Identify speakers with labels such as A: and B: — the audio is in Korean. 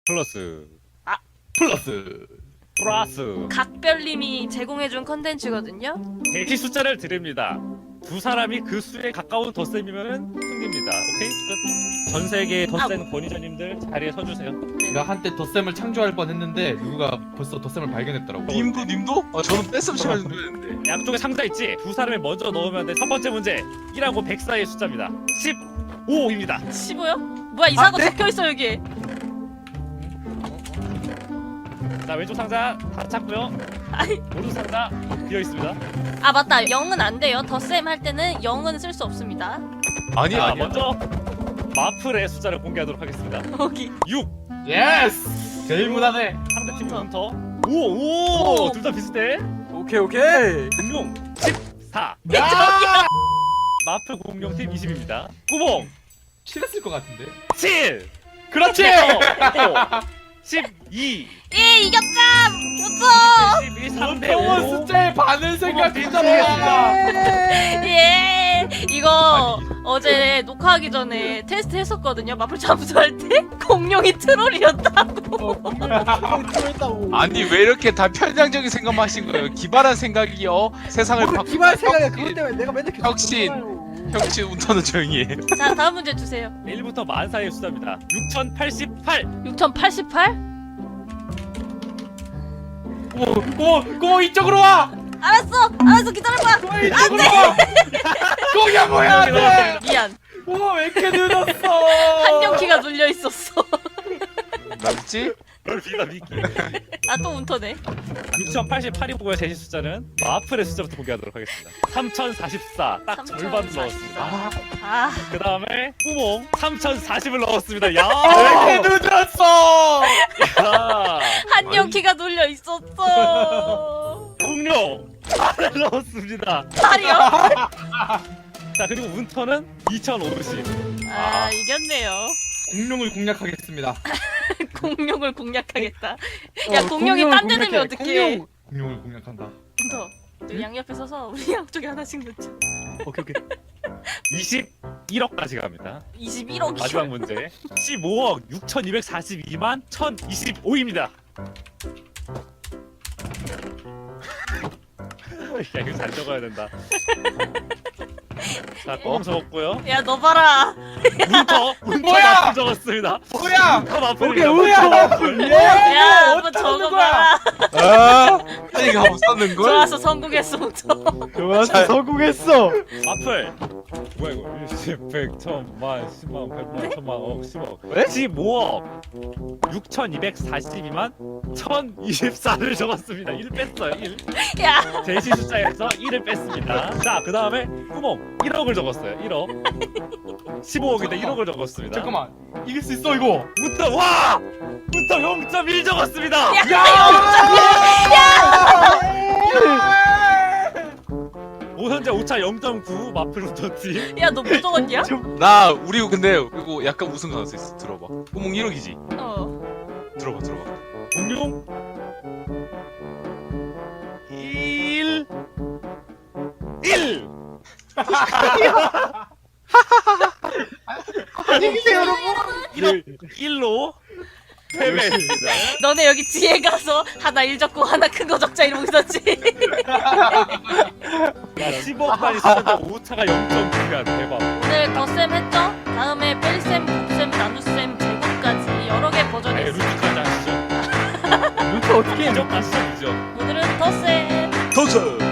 A: 플러스
B: 플러스.
A: 플러스
C: 각별님이 제공해준 컨텐츠거든요.
A: 대시 숫자를 드립니다. 두 사람이 그 수에 가까운 덧셈이면은 승리입니다. 오케이? 끝. 전 세계의 덧셈 권위자님들 자리에 서주세요.
B: 내가 한때 덧셈을 창조할 뻔했는데 누가 벌써 덧셈을 발견했더라고.
D: 님도? 아 저는 뺐으면 시간 좀 되는데.
A: 양쪽에 상자 있지? 두 사람이 먼저 넣으면 돼. 첫 번째 문제 1하고 100 사이의 숫자입니다. 15입니다.
C: 15요? 뭐야 이상한 거 적혀있어 여기.
A: 자, 왼쪽 상자 다 찾고요.
C: 아이.
A: 오른쪽 상자 비어 있습니다.
C: 아 맞다 0은 안 돼요. 덧셈 할 때는 0은 쓸 수 없습니다.
D: 아니야
A: 자,
D: 아니야.
A: 먼저 마플의 숫자를 공개하도록 하겠습니다.
C: 여기
A: 6.
B: 예스. 제일 무난해.
A: 상대팀 hun터. 오! 둘 다 비슷해.
E: 오케이.
A: 공룡 14.
B: 야!
A: 마플 공룡팀 20입니다. 구봉
B: 칠했을 것 같은데.
A: 7.
B: 그렇지.
A: 12.
C: 예 이겼다. 무서.
A: 11. 3.
B: 평원 숫자의 반을 생각했잖아.
C: 예 이거 어제 녹화하기 전에 테스트 했었거든요. 마플 잠수할 때 공룡이 트롤이었다고.
D: 아니 왜 이렇게 다 편향적인 생각만 하신 거예요? 기발한 생각이요. 세상을
E: 뭐
D: 바꾸는
E: 기발 생각이야. 그것 때문에 내가 맨날 계속
D: 혁신. 혁신 운터는 조용히 해.
C: 자 다음 문제 주세요.
A: 1부터 만 사이의 숫자입니다. 6088.
C: 6088?
B: 고 이쪽으로 와.
C: 알았어 기다려봐.
B: 이쪽으로 와. 고야 뭐야? 돼.
C: 미안
B: 왜 이렇게 늦었어?
C: 한정키가 눌려 있었어.
D: 맞지?
A: 널 비다 미끼.
C: 아 또 운터네.
A: 6088이고요. 제시 숫자는 마플의 숫자부터 공개하도록 하겠습니다. 3044. 딱 절반
C: 3044.
A: 넣었습니다.
C: 아
A: 그 다음에 구봉 3040을 넣었습니다. 야!
B: 왜 이렇게 늦었어?
A: 야!
C: 한정키가 눌려 있었어.
A: 공룡 8을 넣었습니다.
C: 8이요?
A: 자, 그리고 운터는 2050.
C: 아 이겼네요.
B: 공룡을 공략하겠습니다.
C: 공룡을 공략하겠다. 야 공룡이 딴 데 되면 어떡해.
B: 공룡을 공략한다.
C: 운터 너 양옆에 서서 우리 양쪽에 하나씩 넣자.
A: 오케이. 21억까지 갑니다.
C: 21억이요?
A: 마지막 문제. 15억 6242만 1025입니다. 야, 이거 잘 적어야 된다. 자, 꽁 적었고요.
C: 야 너 봐라.
A: 운터
B: 뭐야?
A: 마플 적었습니다.
B: 뭐야?
A: 운터 마플.
E: 오케이, 뭐야?
C: 야 한번 적어봐라.
D: 아, 이거 못 썼는 걸?
C: 좋았어 성공했어 운터.
E: 좋았어. 성공했어.
A: 마플. 뭐야 이거? 10, 100, 1000만, 10만, 100만, 1000만, 억, 10억.
E: 왜?
A: 15억 6242만 1024를 적었습니다. 1 뺐어요. 1.
C: 야
A: 제시 숫자에서 1을 뺐습니다. 자, 그 다음에 구멍 1억을 적었어요. 1억. 15억인데 1억을 적었습니다.
B: 잠깐만. 이길 수 있어 이거.
A: 부터 와! 부터 0.1 적었습니다. 오선제 5차 0.9 마플 운터팀.
C: 야 너 뭐 적었냐?
D: 나 우리 근데 이거 약간 우승 가능성 있어. 들어봐. 구멍 1억이지.
C: 어.
D: 들어봐.
A: 공룡 1
E: 안녕히 계세요, 여러분.
A: 1로 패배했습니다.
C: 너네 여기 뒤에 가서 하나 1 적고 하나 큰 거 적자 이러고 있었지.
A: 야, 15억까지 썼는데 5차가 0.9야. 대박.
C: 오늘 덧셈 했죠? 다음에 뺄셈, 곱셈, 나눗셈, 제곱까지 여러 개 버전이
A: 네,
C: 있어.
A: 루트까지 하시죠.
E: 루트 어떻게 해?
A: 이적 가시죠, 이적.
C: 오늘은 덧셈.
D: 도전.